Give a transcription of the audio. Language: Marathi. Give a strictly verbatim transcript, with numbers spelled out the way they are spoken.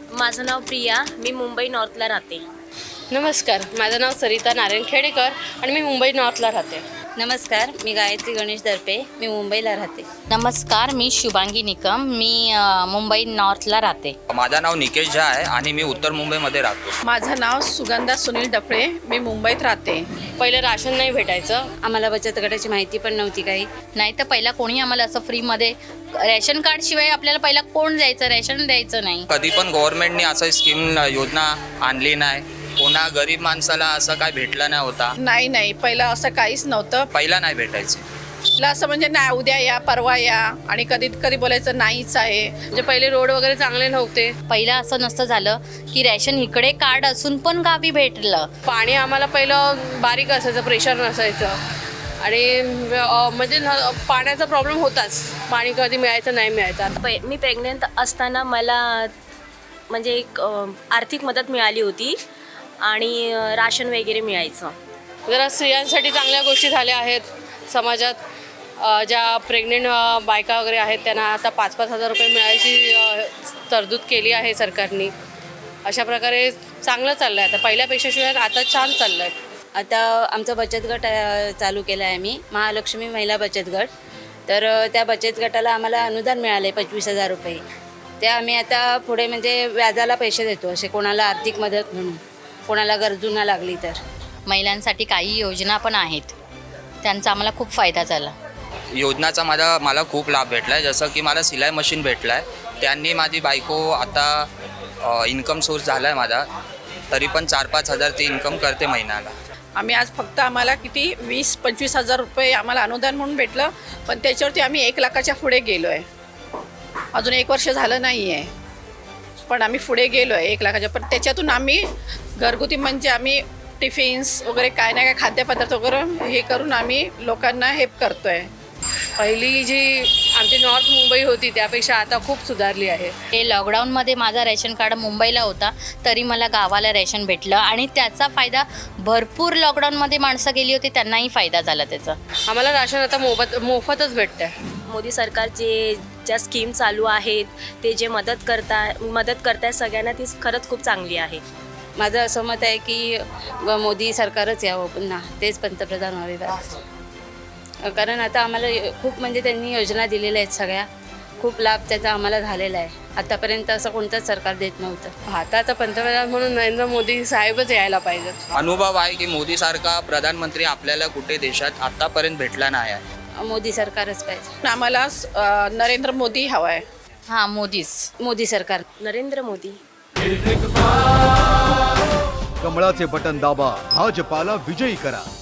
माझं नाव प्रिया, मी मुंबई नॉर्थला राहते. नमस्कार, माझं नाव सरिता नारायण खेडेकर आणि मी मुंबई नॉर्थला राहते. नमस्कार, मी गायत्री गणेश दर्पे, मी मुंबईला राहते. नमस्कार, मी शुभांगी निकम, मी अ, मुंबई नॉर्थला राहते. माझं नाव निकेश झा आहे आणि मी उत्तर मुंबईमध्ये राहतो. माझं नाव सुगंधा सुनील डफळे, मी मुंबईत राहते. पहिलं राशन नाही भेटायचं. आम्हाला बचत गटाची माहिती पण नव्हती काही. नाही तर पहिला कोणी आम्हाला असं फ्रीमध्ये रेशन कार्ड शिवाय आपल्याला पहिला कोण द्यायचं, रेशन द्यायचं नाही. कधी पण गव्हर्नमेंटने असं स्कीम योजना आणली नाही. कोणा गरीब माणसाला असं काय भेटलं नाही होता. नाही नाही पहिलं असं काहीच नव्हतं. पहिला नाही भेटायचं. पहिलं असं म्हणजे नाही, उद्या या परवा या, आणि कधी कधी बोलायचं नाहीच आहे. म्हणजे पहिले रोड वगैरे चांगले नव्हते. पहिला असं नसतं झालं की रेशन इकडे कार्ड असून पण गावी भेटलं. पाणी आम्हाला पहिलं बारीक असायचं, प्रेशर नसायचं आणि अ, म्हणजे न- पाण्याचा प्रॉब्लेम होताच. पाणी कधी मिळायचं नाही मिळायचं. आता पै मी प्रेग्नेंट असताना मला म्हणजे एक अ, आर्थिक मदत मिळाली होती आणि अ, राशन वगैरे मिळायचं. जरा स्त्रियांसाठी चांगल्या गोष्टी झाल्या आहेत समाजात. अ, ज्या प्रेग्नेंट बायका वगैरे आहेत त्यांना आता पाच पाच हजार रुपये मिळायची अ, तरतूद केली आहे सरकारने. अशा प्रकारे चांगलं चाललं आहे. आता पहिल्यापेक्षा शिवाय आता छान चाललं आहे. आता आमचा बचत गट अ, चालू केला आहे आम्ही, महालक्ष्मी महिला बचत गट. तर अ, त्या बचत गटाला आम्हाला अनुदान मिळाले पंचवीस हजार रुपये. ते आम्ही आता पुढे म्हणजे व्याजाला पैसे देतो, असे कोणाला आर्थिक मदत म्हणून, कोणाला गरजूंना लागली तर. महिलांसाठी काही योजना पण आहेत, त्यांचा आम्हाला खूप फायदा झाला. योजनाचा माझा मला खूप लाभ भेटला आहे. जसं की मला सिलाई मशीन भेटलं आहे. त्यांनी माझी बायको आता इन्कम सोर्स झाला आहे माझा. तरी पण चार पाच हजार ती इन्कम करते महिन्याला. आम्ही आज फक्त आम्हाला किती वीस पंचवीस हजार रुपये आम्हाला अनुदान म्हणून भेटलं, पण त्याच्यावरती आम्ही एक लाखाच्या पुढे गेलो आहे. अजून एक वर्ष झालं नाही आहे, पण आम्ही पुढे गेलो आहे एक लाखाच्या. पण त्याच्यातून आम्ही घरगुती म्हणजे आम्ही टिफिन्स वगैरे काय ना काय खाद्यपदार्थ वगैरे हे करून आम्ही लोकांना हेल्प करतो आहे. पहिली जी आमची नॉर्थ मुंबई होती त्यापेक्षा आता खूप सुधारली आहे. हे लॉकडाऊनमध्ये माझा रेशन कार्ड मुंबईला होता, तरी मला गावाला रेशन भेटलं आणि त्याचा फायदा भरपूर लॉकडाऊनमध्ये माणसं गेली होती त्यांनाही फायदा झाला त्याचा. आम्हाला राशन आता मोफत मोफतच भेटतं आहे. मोदी सरकार जे ज्या स्कीम चालू आहेत ते जे मदत करता मदत करताय सगळ्यांना, ती खरंच खूप चांगली आहे. माझं असं मत आहे की व मोदी सरकारच यावं पुन्हा, तेच पंतप्रधान व्हावे बस. कारण आता आम्हाला खूप म्हणजे त्यांनी योजना दिलेल्या आहेत सगळ्या, खूप लाभ त्याचा आम्हाला झालेला आहे. आतापर्यंत असं कोणतंच सरकार देत नव्हतं. आता आता पंतप्रधान म्हणून नरेंद्र मोदी साहेबच यायला पाहिजेत. अनुभव आहे की मोदीसारखा प्रधानमंत्री आपल्याला कुठे देशात आत्तापर्यंत भेटला नाही आहे. मोदी सरकारच पाहिजे. आम्हाला अ, नरेंद्र मोदी हवा आहे. हां, मोदीच. मोदी सरकार. नरेंद्र मोदी. कमळाचे बटन दाबा, भाजपाला विजयी करा.